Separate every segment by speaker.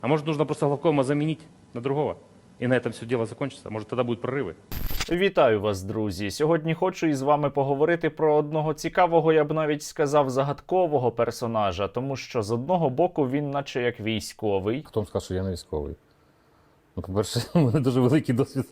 Speaker 1: А может, нужно просто главкома заменить на другого? И на этом все дело закончится? Может, тогда будут прорывы?
Speaker 2: Вітаю вас, друзі! Сьогодні хочу із вами поговорити про одного цікавого, я б навіть сказав, загадкового персонажа, тому що з одного боку він наче як військовий.
Speaker 3: Хто вам сказав, що я не військовий? Ну, по-перше, у мене дуже великий досвід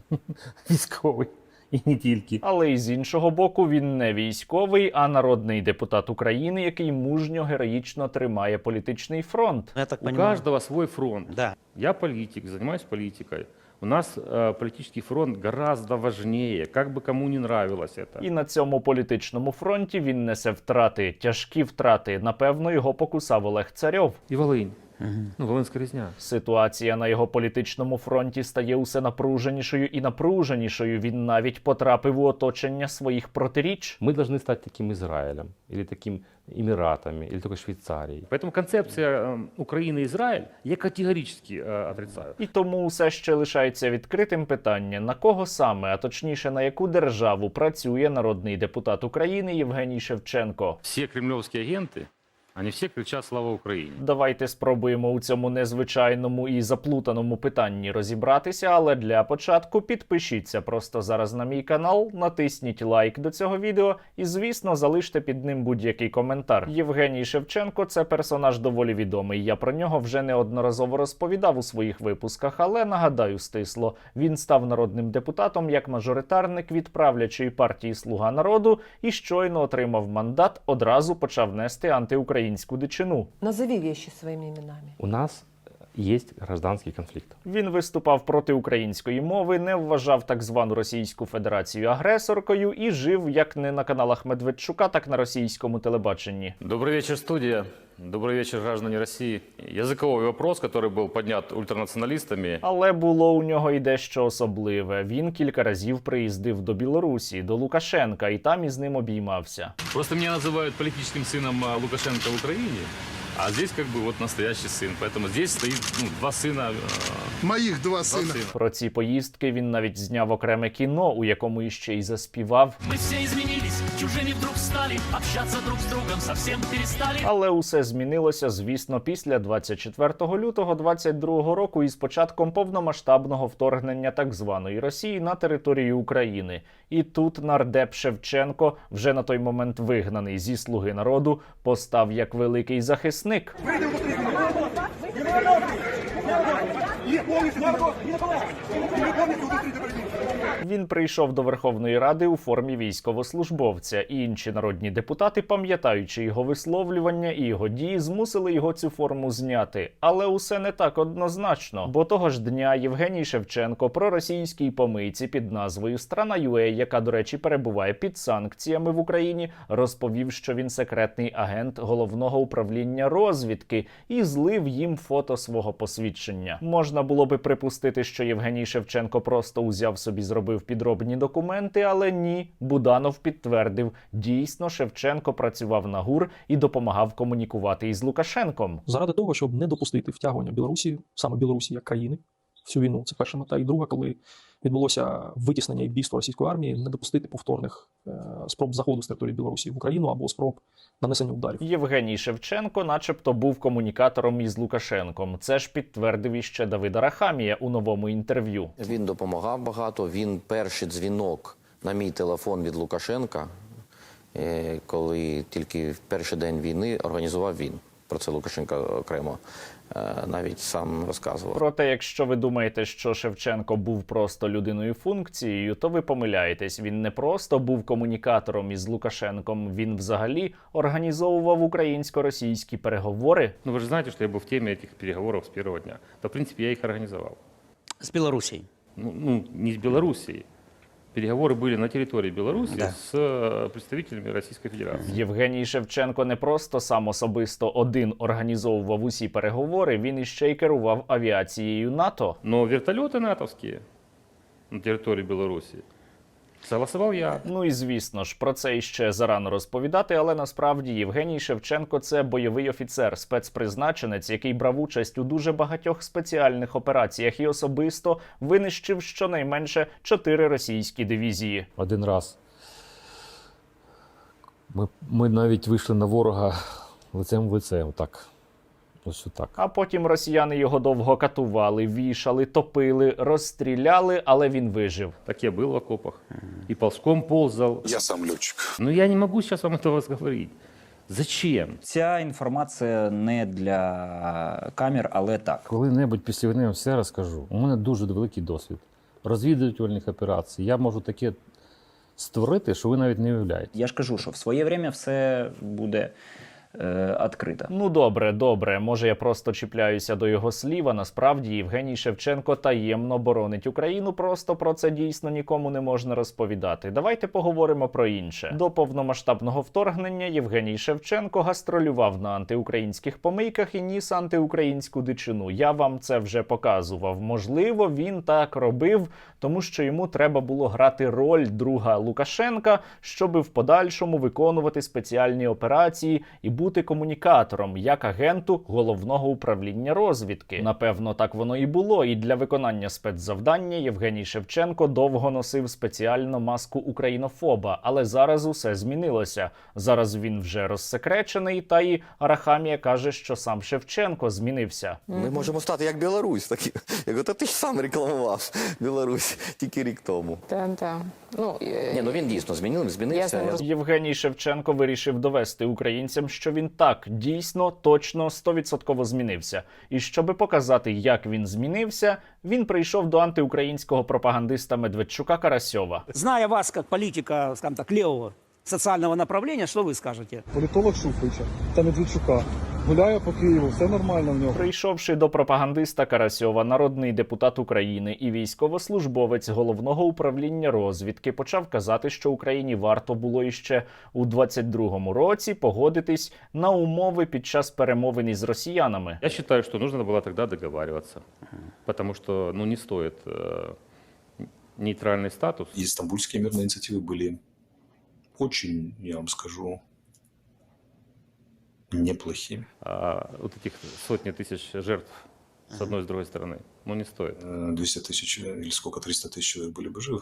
Speaker 3: військовий. І не тільки.
Speaker 2: Але і з іншого боку, він не військовий, а народний депутат України, який мужньо, героїчно тримає політичний фронт.
Speaker 4: Я так
Speaker 1: У
Speaker 4: понимаю.
Speaker 1: каждого свой фронт.
Speaker 4: Да.
Speaker 1: Я политик, занимаюсь политикой. У нас политический фронт гораздо важнее, как бы кому не нравилось это.
Speaker 2: І на цьому політичному фронті він несе втрати, тяжкі втрати. Напевно, його покусав Олег Царьов.
Speaker 1: И Волынь. Ну, Волынская резня.
Speaker 2: Ситуація на його політичному фронті стає усе напруженішою і напруженішою. Він навіть потрапив у оточення своїх протиріч.
Speaker 3: Мы должны стать таким Израилем, или таким Эмиратами, или такой Швейцарией.
Speaker 1: Поэтому концепция Украины и Израиль я категорически отрицаю.
Speaker 2: І тому все ще лишається відкритим питання, на кого саме, а точніше на яку державу працює народний депутат України Євгеній Шевченко.
Speaker 1: Все кремлевские агенты, они все кричат «Слава Украине».
Speaker 2: Давайте спробуємо у цьому незвичайному і заплутаному питанні розібратися, але для початку підпишіться просто зараз на мій канал, натисніть лайк до цього відео і, звісно, залиште під ним будь-який коментар. Євгеній Шевченко – це персонаж доволі відомий, я про нього вже неодноразово розповідав у своїх випусках, але нагадаю стисло, він став народним депутатом як мажоритарник від правлячої партії «Слуга народу» і щойно отримав мандат, одразу почав нести антиукраїнську дичину.
Speaker 5: Назови вещи своими именами.
Speaker 3: У нас есть гражданский конфликт.
Speaker 2: Він виступав проти української мови, не вважав так звану Російську Федерацію агресоркою і жив як не на каналах Медведчука, так на російському телебаченні.
Speaker 1: Добрый вечер, студия. Добрый вечер, граждане России. Языковой вопрос, который был поднят ультранационалистами.
Speaker 2: Але було у нього й дещо особливе. Він кілька разів приїздив до Білорусі, до Лукашенка, і там із ним обіймався.
Speaker 1: Просто меня называют политическим сыном Лукашенко в Украине, а здесь как бы вот настоящий сын. Поэтому здесь стоит два сына.
Speaker 6: Моих два сына.
Speaker 2: Про ці поїздки він навіть зняв окреме кіно, у якому іще й заспівав.
Speaker 7: Мы все изменились, чужими вдруг стали, общаться друг с другом совсем перестали.
Speaker 2: Але усе змінилося, звісно, після 24 лютого 22 року із початком повномасштабного вторгнення так званої Росії на територію України. І тут нардеп Шевченко, вже на той момент вигнаний зі «Слуги народу», постав як великий захисник. Він прийшов до Верховної Ради у формі військовослужбовця, і інші народні депутати, пам'ятаючи його висловлювання і його дії, змусили його цю форму зняти. Але усе не так однозначно, бо того ж дня Євгеній Шевченко проросійській помийці під назвою «Страна.ua», яка, до речі, перебуває під санкціями в Україні, розповів, що він секретний агент Головного управління розвідки і злив їм фото свого посвідчення. Можна було би припустити, що Євгеній Шевченко просто узяв собі, зробив підробні документи, але ні. Буданов підтвердив, дійсно Шевченко працював на ГУР і допомагав комунікувати із Лукашенком.
Speaker 8: Заради того, щоб не допустити втягування Білорусі, саме Білорусі як країни, всю війну. Це перша мета. І друга, коли відбулося витіснення і бійство російської армії, не допустити повторних спроб заходу з території Білорусі в Україну або спроб нанесення ударів.
Speaker 2: Євгеній Шевченко начебто був комунікатором із Лукашенком. Це ж підтвердив іще Давид Арахамія у новому інтерв'ю.
Speaker 9: Він допомагав багато. Він перший дзвінок на мій телефон від Лукашенка, коли тільки в перший день війни організував він. Про це Лукашенко окремо навіть сам розказував.
Speaker 2: Проте, якщо ви думаєте, що Шевченко був просто людиною функцією, то ви помиляєтесь. Він не просто був комунікатором із Лукашенком, він взагалі організовував українсько-російські переговори.
Speaker 1: Ну, вы же знаете, что я был в теме этих переговоров с первого дня. Да, в принципе, я их организовал.
Speaker 4: С Белоруссией.
Speaker 1: Ну, не с Белоруссией. Переговоры были на территории Беларуси
Speaker 4: Да.
Speaker 1: с представителями Российской Федерации.
Speaker 2: Євгеній Шевченко не просто сам особисто один організовував усі переговори, він іще й керував авіацією НАТО.
Speaker 1: Но вертолеты натовские на территории Беларуси согласовал я.
Speaker 2: Ну і звісно ж, про це іще зарано розповідати, але насправді Євгеній Шевченко – це бойовий офіцер, спецпризначенець, який брав участь у дуже багатьох спеціальних операціях і особисто винищив щонайменше 4 російські дивізії.
Speaker 3: Один раз ми навіть вийшли на ворога лицем в лице, отак. Ось так.
Speaker 2: А потім росіяни його довго катували, вішали, топили, розстріляли, але він вижив.
Speaker 3: Так я был в окопах. И ползком ползал.
Speaker 6: Я сам летчик.
Speaker 3: Но я не могу сейчас вам этого говорить. Зачем?
Speaker 4: Ця інформація не для камер, але так.
Speaker 3: Коли-небудь після війни я вам все розкажу. У мене дуже великий досвід розвідувальних операцій. Я можу таке створити, що ви навіть не уявляєте.
Speaker 4: Я ж кажу, що в своє время все буде відкрито.
Speaker 2: Ну добре, може я просто чіпляюся до його слів, а насправді Євгеній Шевченко таємно боронить Україну, просто про це дійсно нікому не можна розповідати. Давайте поговоримо про інше. До повномасштабного вторгнення Євгеній Шевченко гастролював на антиукраїнських помийках і ніс антиукраїнську дичину. Я вам це вже показував. Можливо, він так робив, тому що йому треба було грати роль друга Лукашенка, щоби в подальшому виконувати спеціальні операції і бути комунікатором, як агенту Головного управління розвідки. Напевно, так воно і було. І для виконання спецзавдання Євгеній Шевченко довго носив спеціально маску українофоба. Але зараз усе змінилося. Зараз він вже розсекречений, та і Арахамія каже, що сам Шевченко змінився.
Speaker 9: Ми можемо стати як Білорусь. Такі. Я говорю, ти ж сам рекламував Білорусь тільки рік тому.
Speaker 5: Да.
Speaker 9: Ні, він дійсно змінився.
Speaker 2: Євгеній Шевченко вирішив довести українцям, що він так, дійсно, точно, 100% змінився. І щоби показати, як він змінився, він прийшов до антиукраїнського пропагандиста Медведчука Карасьова.
Speaker 10: Зная вас как политика, скажем так, левого социального направления, что вы скажете?
Speaker 8: Політолог Шуфрича та Медведчука гуляє по Києву, все нормально в нього.
Speaker 2: Прийшовши до пропагандиста Карасьова, народний депутат України і військовослужбовець Головного управління розвідки почав казати, що Україні варто було іще у 22-му році погодитись на умови під час перемовин із росіянами.
Speaker 3: Я считаю, что нужно было тогда договариваться. Потому что не стоит нейтральный статус.
Speaker 11: И стамбульские мирные инициативы были очень, я вам скажу, неплохими.
Speaker 3: А вот этих сотни тысяч жертв с одной и с другой стороны, не стоит.
Speaker 11: 200 тысяч или сколько, 300 тысяч человек были бы живы.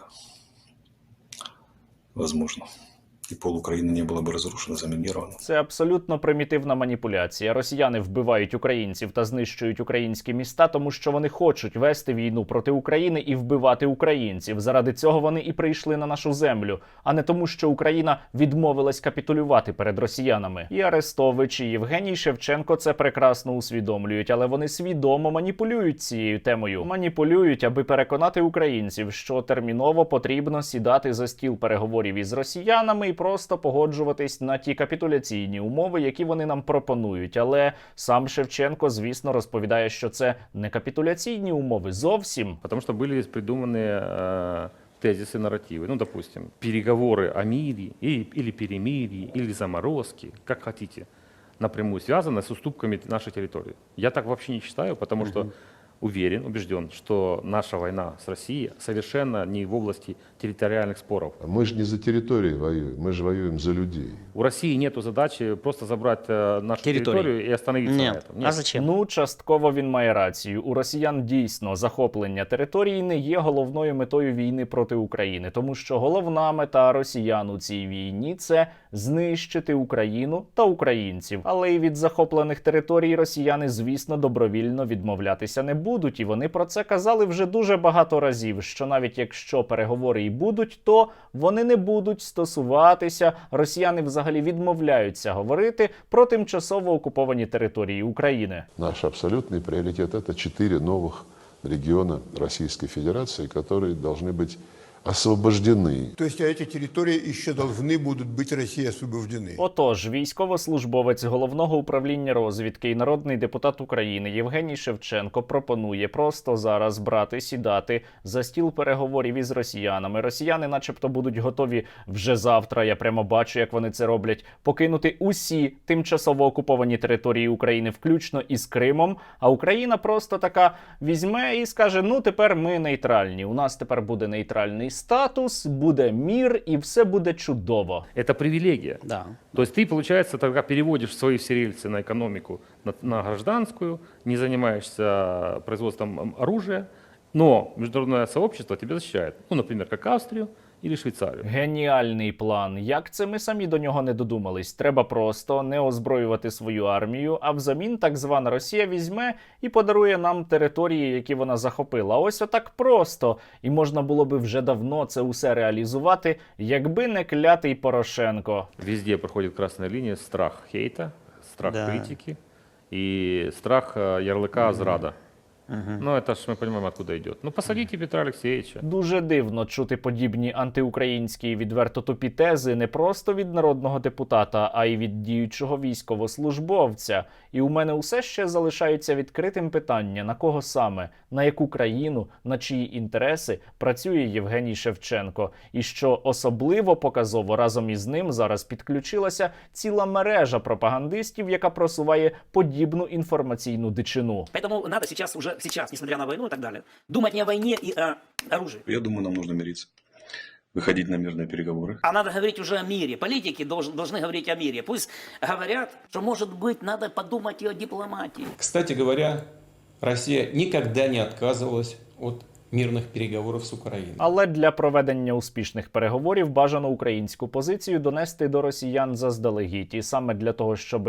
Speaker 11: Возможно. І пол України не було б розрушено, замініровано.
Speaker 2: Це абсолютно примітивна маніпуляція. Росіяни вбивають українців та знищують українські міста, тому що вони хочуть вести війну проти України і вбивати українців. Заради цього вони і прийшли на нашу землю, а не тому, що Україна відмовилась капітулювати перед росіянами. І Арестович, і Євгеній Шевченко це прекрасно усвідомлюють, але вони свідомо маніпулюють цією темою. Маніпулюють, аби переконати українців, що терміново потрібно сідати за стіл переговорів із росіянами і просто погоджуватись на ті капітуляційні умови, які вони нам пропонують. Але сам Шевченко, звісно, розповідає, що це не капітуляційні умови зовсім.
Speaker 3: Потому что были придуманы тезисы, нарративы. Допустим, переговоры о мире или перемирии, или заморозке, как хотите, напрямую связаны с уступками нашей территории. Я так вообще не считаю, потому что уверен, убежден, что наша война с Россией совершенно не в области территориальных споров.
Speaker 12: Мы же не за территорию воюем, мы же воюем за людей.
Speaker 3: У России нет задачи просто забрать нашу территорию и остановиться на этом. Нет.
Speaker 10: А зачем?
Speaker 2: Ну, частково він має рацію. У росіян дійсно захоплення території не є головною метою війни проти України, тому що головна мета росіян у цій війні – це знищити Україну та українців. Але і від захоплених територій росіяни, звісно, добровільно відмовлятися не будуть. І вони про це казали вже дуже багато разів, що навіть якщо переговори і будуть, то вони не будуть стосуватися, росіяни взагалі відмовляються говорити про тимчасово окуповані території України.
Speaker 12: Наш абсолютный приоритет – это 4 новых региона Российской Федерации, которые должны быть освобождены.
Speaker 6: То есть эти территории еще должны будут быть России освобождены.
Speaker 2: Отож, військовослужбовець Головного управління розвідки і народний депутат України Євгеній Шевченко пропонує просто зараз брати, сідати за стіл переговорів із росіянами. Росіяни начебто будуть готові вже завтра, я прямо бачу, як вони це роблять, покинути усі тимчасово окуповані території України, включно із Кримом, а Україна просто така візьме і скаже, ну тепер ми нейтральні, у нас тепер буде нейтральний статус, буде мир і все буде чудово.
Speaker 3: Это привилегия.
Speaker 10: Да.
Speaker 3: То есть ты, получается, тогда переводишь свои все рельсы на экономику, на гражданскую, не занимаешься производством оружия, но международное сообщество тебя защищает. Например, как Австрию или Швейцарию.
Speaker 2: Геніальний план. Як це ми самі до нього не додумались? Треба просто не озброювати свою армію, а взамін так звана Росія візьме і подарує нам території, які вона захопила. Ось отак просто. І можна було би вже давно це усе реалізувати, якби не клятий Порошенко.
Speaker 3: Везде проходит красная линия страх хейта, страх
Speaker 10: Да.
Speaker 3: критики и страх ярлыка зрада. Ну, это ж мы понимаем, откуда идет. Ну, посадите Петра Алексеевича.
Speaker 2: Дуже дивно чути подібні антиукраїнські і відверто тупі тези не просто від народного депутата, а й від діючого військовослужбовця. І у мене усе ще залишається відкритим питання, на кого саме, на яку країну, на чиї інтереси працює Євгеній Шевченко. І що особливо показово, разом із ним зараз підключилася ціла мережа пропагандистів, яка просуває подібну інформаційну дичину.
Speaker 10: Поэтому надо сейчас, несмотря на войну и так далее, думать не о войне и о оружии.
Speaker 11: Я думаю, нам нужно мириться. Выходить на мирные переговоры.
Speaker 10: А надо говорить уже о мире. Политики должны говорить о мире. Пусть говорят, что, может быть, надо подумать и о дипломатии.
Speaker 13: Кстати говоря, Россия никогда не отказывалась от мирних переговорів з Україною.
Speaker 2: Але для проведення успішних переговорів бажано українську позицію донести до росіян заздалегідь. І саме для того, щоб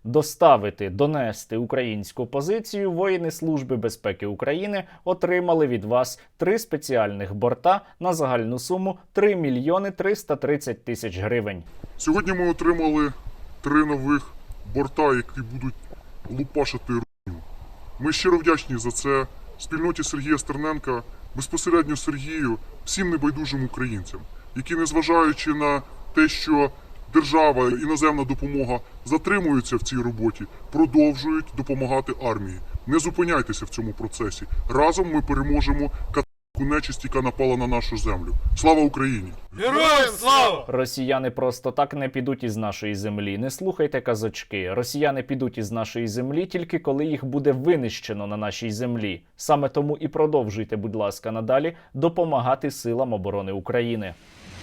Speaker 2: донести українську позицію, воїни Служби безпеки України отримали від вас 3 спеціальних борта на загальну суму 3 мільйони 330 тисяч гривень.
Speaker 14: Сьогодні ми отримали 3 нових борта, які будуть лупашити русню. Ми щиро вдячні за це спільноті Сергія Стерненка, безпосередньо Сергію, всім небайдужим українцям, які, незважаючи на те, що держава, іноземна допомога затримуються в цій роботі, продовжують допомагати армії. Не зупиняйтеся в цьому процесі. Разом ми переможемо катку нечисть, яка напала на нашу землю. Слава Україні!
Speaker 2: Героям слава! Росіяни просто так не підуть із нашої землі. Не слухайте казочки. Росіяни підуть із нашої землі тільки коли їх буде винищено на нашій землі. Саме тому і продовжуйте, будь ласка, надалі допомагати силам оборони України.